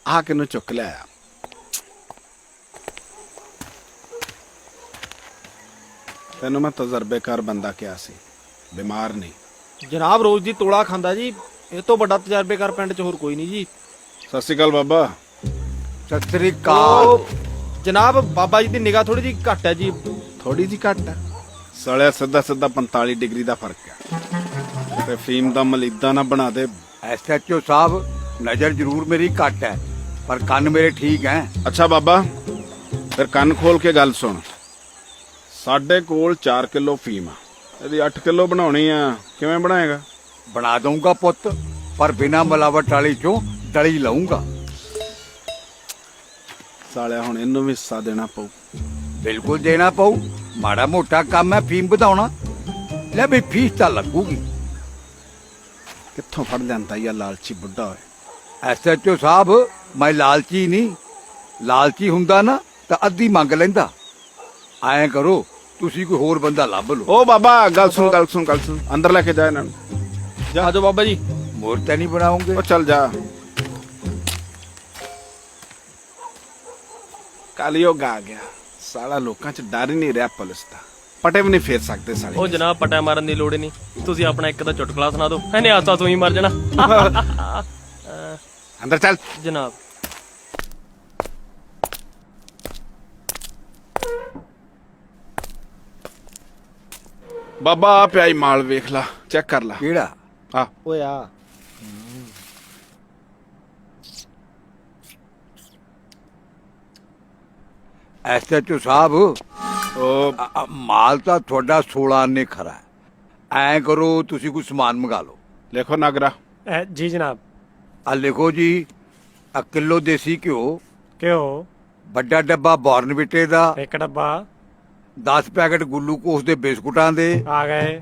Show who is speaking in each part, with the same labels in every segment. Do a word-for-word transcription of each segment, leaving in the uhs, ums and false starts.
Speaker 1: ਆ ਕਿਨੂੰ ਚੁੱਕ ਲਿਆ। ਤੈਨੂੰ ਮੈਂ ਤਜਰਬੇਕਾਰ ਬੰਦਾ ਕਿਹਾ ਸੀ, ਬਿਮਾਰ ਨਹੀਂ।
Speaker 2: ਜਨਾਬ ਰੋਜ਼ ਦੀ ਤੋਲਾ ਖਾਂਦਾ ਜੀ, ਇਹ ਤੋਂ ਵੱਡਾ ਤਜਰਬੇਕਾਰ ਪਿੰਡ 'ਚ ਹੋਰ ਕੋਈ ਨਹੀਂ ਜੀ।
Speaker 1: ਸਤਿ ਸ਼੍ਰੀ ਅਕਾਲ ਬਾਬਾ।
Speaker 3: ਸਤਿ ਸ੍ਰੀ ਅਕਾਲ।
Speaker 2: ਉਹ ਜਨਾਬ ਬਾਬਾ ਜੀ ਦੀ ਨਿਗਾਹ ਥੋੜੀ ਜਿਹੀ ਘੱਟ ਹੈ ਜੀ।
Speaker 1: ਥੋੜੀ ਜੀ ਘੱਟ ਹੈ ਸਾਲਿਆ, ਸਿੱਧਾ ਸਿੱਧਾ ਪੰਤਾਲੀ ਡਿਗਰੀ ਦਾ ਫਰਕ ਹੈ। ਤੇ ਫੀਮ ਦਾ ਮਲੀਦਾ ਨਾ ਬਣਾ ਦੇ।
Speaker 3: ਐਸ ਐਚ ਓ ਸਾਹਿਬ, ਨਜ਼ਰ ਜ਼ਰੂਰ ਮੇਰੀ ਘੱਟ ਹੈ ਪਰ ਕੰਨ ਮੇਰੇ ਠੀਕ ਹੈ।
Speaker 1: ਅੱਛਾ ਬਾਬਾ, ਫਿਰ ਕੰਨ ਖੋਲ ਕੇ ਗੱਲ ਸੁਣ। ਸਾਡੇ ਕੋਲ ਚਾਰ ਕਿਲੋ ਫੀਮ ਆ, ਇਹਦੀ ਅੱਠ ਕਿਲੋ ਬਣਾਉਣੀ ਆ, ਕਿਵੇਂ ਬਣਾਏਗਾ?
Speaker 3: ਬਣਾ ਦਊਂਗਾ ਪੁੱਤ, ਪਰ ਬਿਨਾ ਮਿਲਾਵਟ ਵਾਲੀ ਚੋਂ ਡਲੀ ਲਊਂਗਾ।
Speaker 1: ਸਾਲਿਆ ਹੁਣ ਇਹਨੂੰ ਵੀ ਹਿੱਸਾ ਦੇਣਾ ਪਊ।
Speaker 3: ਬਿਲਕੁਲ ਦੇਣਾ ਪਊ, ਮਾੜਾ ਮੋਟਾ ਕੰਮ ਹੈ ਫੀਮ ਵਧਾਉਣਾ। ਲੈ ਵੀ ਫੀਸ ਤਾਂ ਲੱਗੂਗੀ।
Speaker 1: ਕਿੱਥੋਂ ਫੜ ਲੈਂਦਾ ਇਹ ਲਾਲਚੀ ਬੁੱਢਾ ਹੋਏ।
Speaker 3: ਐਸ ਐਚ ਓ ਸਾਹਿਬ, ਮੈਂ ਲਾਲਚੀ ਨਹੀਂ, ਲਾਲਚੀ ਹੁੰਦਾ ਨਾ ਤਾਂ ਅੱਧੀ ਮੰਗ ਲੈਂਦਾ। ਐਂ ਕਰੋ, ਤੁਸੀਂ ਕੋਈ ਹੋਰ ਬੰਦਾ ਲੱਭ ਲਓ।
Speaker 1: ਓ ਬਾਬਾ ਗੱਲ ਸੁਣ ਗੱਲ ਸੁਣ ਗੱਲ ਸੁਣ, ਅੰਦਰ ਲੈ ਕੇ ਜਾ ਇਹਨਾਂ ਨੂੰ।
Speaker 2: ਜਾ ਆਜੋ ਬਾਬਾ ਜੀ।
Speaker 3: ਮੂਰਤੀ ਨਹੀਂ ਬਣਾਉਂਗੇ?
Speaker 1: ਉਹ ਚੱਲ ਜਾ। ਕਲਯੁੱਗ ਆ ਗਿਆ ਸਾਲਾ, ਲੋਕਾਂ 'ਚ ਡਰ ਹੀ ਨਹੀਂ ਰਿਹਾ ਪੁਲਿਸ ਦਾ। ਪਟੇ ਵੀ ਨਹੀਂ ਫੇਰ ਸਕਦੇ ਸਾਲੇ।
Speaker 4: ਉਹ ਜਨਾਬ ਪਟਾ ਮਾਰਨ ਦੀ ਲੋੜ ਹੀ ਨਹੀਂ, ਤੁਸੀਂ ਆਪਣਾ ਇੱਕ ਦਾ ਚੁਟਕਲਾ ਸੁਣਾ ਦਿਓ, ਇਹਨੇ ਆਸਾ ਤੂੰ ਹੀ ਮਰ ਜਾਣਾ।
Speaker 1: ਅੰਦਰ ਚੱਲ।
Speaker 4: ਜਨਾਬ
Speaker 1: ਬਾਬਾ ਆ ਪਿਆਈ ਮਾਲ ਵੇਖ ਲਾ, ਚੈੱਕ ਕਰ ਲਾ।
Speaker 3: ਕਿਹੜਾ?
Speaker 1: ਆ
Speaker 2: ਓਏ ਆ
Speaker 3: ਐਸ ਐਚ ਓ ਸਾਹਿਬ,
Speaker 1: ਉਹ
Speaker 3: ਅ- ਅ- ਮਾਲ ਤਾਂ ਤੁਹਾਡਾ ਸੋਲਾਂ ਆਨੇ ਖਰਾ ਹੈ। ਐਂ ਕਰੋ, ਤੁਸੀਂ ਕੋਈ ਸਮਾਨ ਮੰਗਾ ਲਓ।
Speaker 1: ਲਿਖੋ ਨਗਰਾ।
Speaker 5: ਜੀ ਜਨਾਬ।
Speaker 3: ਆ ਲਿਖੋ ਜੀ, ਆ ਕਿਲੋ ਦੇਸੀ ਘਿਓ,
Speaker 5: ਘਿਓ
Speaker 3: ਵੱਡਾ ਡੱਬਾ ਬੋਰਨਵਿਟੇ ਦਾ,
Speaker 5: ਇੱਕ ਡੱਬਾ।
Speaker 3: ਦਸ ਪੈਕੇਟ ਗਲੂਕੋਸ ਦੇ ਬਿਸਕੁਟਾਂ ਦੇ।
Speaker 5: ਆ ਗਏ।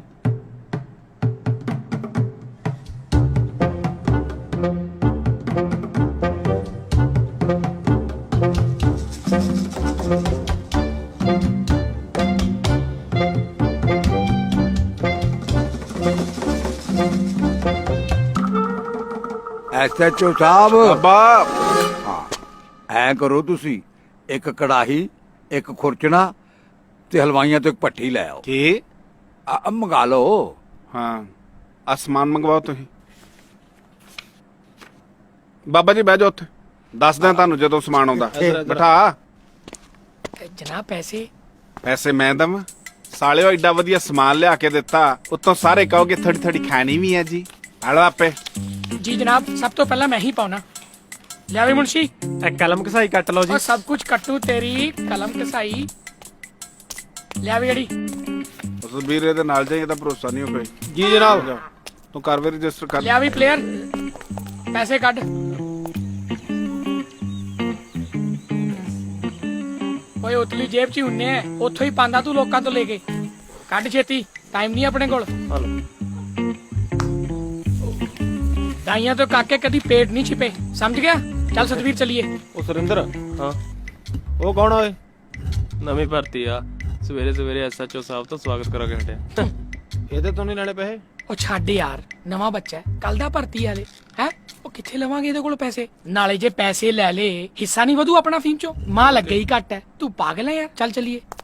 Speaker 3: ਐਸ ਐਚ ਓ ਸਾਹਿਬ,
Speaker 1: ਬਾਬਾ
Speaker 3: ਐਂ ਕਰੋ ਤੁਸੀਂ, ਇੱਕ ਕੜਾਹੀ, ਇੱਕ ਖੁਰਚਣਾ ਤੇ ਹਲਵਾਈਆਂ ਤੋਂ ਇੱਕ ਭੱਠੀ ਲੈ ਆਓ।
Speaker 1: ਕੀ?
Speaker 3: ਆ ਆ ਮੰਗਾ ਲਓ।
Speaker 1: ਹਾਂ ਅਸਮਾਨ ਮੰਗਵਾਓ ਤੁਸੀਂ। ਬਾਬਾ ਜੀ ਬਹਿ ਜਾਓ ਉੱਥੇ, ਦੱਸਦਾ ਤੁਹਾਨੂੰ ਜਦੋਂ ਸਮਾਨ ਆਉਂਦਾ। ਬਿਠਾ।
Speaker 6: ਜਨਾਬ ਪੈਸੇ
Speaker 1: ਪੈਸੇ ਮੈਂ ਦਵਾਂ? ਸਾਲਿਓ ਐਡਾ ਵਧੀਆ ਸਮਾਨ ਲਿਆ ਕੇ ਦਿੱਤਾ, ਉੱਤੋਂ ਸਾਰੇ ਕਹੋਗੇ ਥੋੜੀ ਥੋੜੀ ਖਾਣੀ ਵੀ ਹੈ ਜੀ। ਹਲੋ ਆਪੇ।
Speaker 6: ਜੀ ਜਨਾਬ, ਸਭ ਤੋਂ ਪਹਿਲਾਂ ਮੈਂ ਹੀ ਪਾਉਣਾ। ਲਿਆਵੇ ਮੁਨਸ਼ੀ।
Speaker 5: ਇੱਕ ਕਲਮ ਕਸਾਈ ਕੱਟ ਲਓ ਜੀ।
Speaker 6: और सब कुछ कट्टू तेरी कलम कसाई। लियावे गड़ी।
Speaker 1: ਉਸ ਵੀਰੇ ਦੇ ਨਾਲ ਜਾਈ, ਇਹਦਾ ਭਰੋਸਾ ਨਹੀਂ ਹੋ ਕੋਈ।
Speaker 2: ਜੀ ਜਨਾਬ।
Speaker 1: ਤੂੰ ਕਰ ਵੀ ਰਜਿਸਟਰ ਕਰ।
Speaker 6: लियावी प्लेयर पैसे कट। ओए उतली जेब च ही हुन्ने है, उत्थों ही पांदा तू लोकां तो लेके। कट छेती, टाइम नहीं अपने कोल। दाइयां तो काके कदी पेट नहीं छिपे, समझ गया? चल सतवीर चलिए।
Speaker 2: ਉਹ ਸੁਰਿੰਦਰ,
Speaker 4: ਹਾਂ
Speaker 2: ਉਹ ਕੌਣ ਓਏ?
Speaker 4: ਨਵੀਂ ਭਰਤੀ ਆ, ਸਵੇਰੇ ਸਵੇਰੇ ਐਸ ਐਚ ਓ ਸਾਹਿਬ ਤੋਂ ਸਵਾਗਤ ਕਰਾ ਕੇ ਹਟਿਆ।
Speaker 2: ਇਹਦੇ ਤੋਂ ਨਹੀਂ ਲੈਣੇ ਪੈਸੇ?
Speaker 6: ਉਹ ਛੱਡ ਯਾਰ, ਨਵਾਂ ਬੱਚਾ ਹੈ, ਕੱਲ ਦਾ ਭਰਤੀ ਵਾਲੇ ਹੈ। ਉਹ ਕਿੱਥੇ ਲਵਾਂਗੇ ਇਹਦੇ ਕੋਲ ਪੈਸੇ? ਨਾਲੇ ਜੇ ਪੈਸੇ ਲੈ ਲੇ, ਹਿੱਸਾ ਨਹੀਂ ਵਧੂ ਆਪਣਾ ਫੀਮ ਚੋਂ। ਮਾਂ ਲੱਗੇ ਹੀ ਘੱਟ ਹੈ। ਤੂੰ ਪਾਗਲ ਹੈ ਯਾਰ, ਚੱਲ ਚਲੀਏ।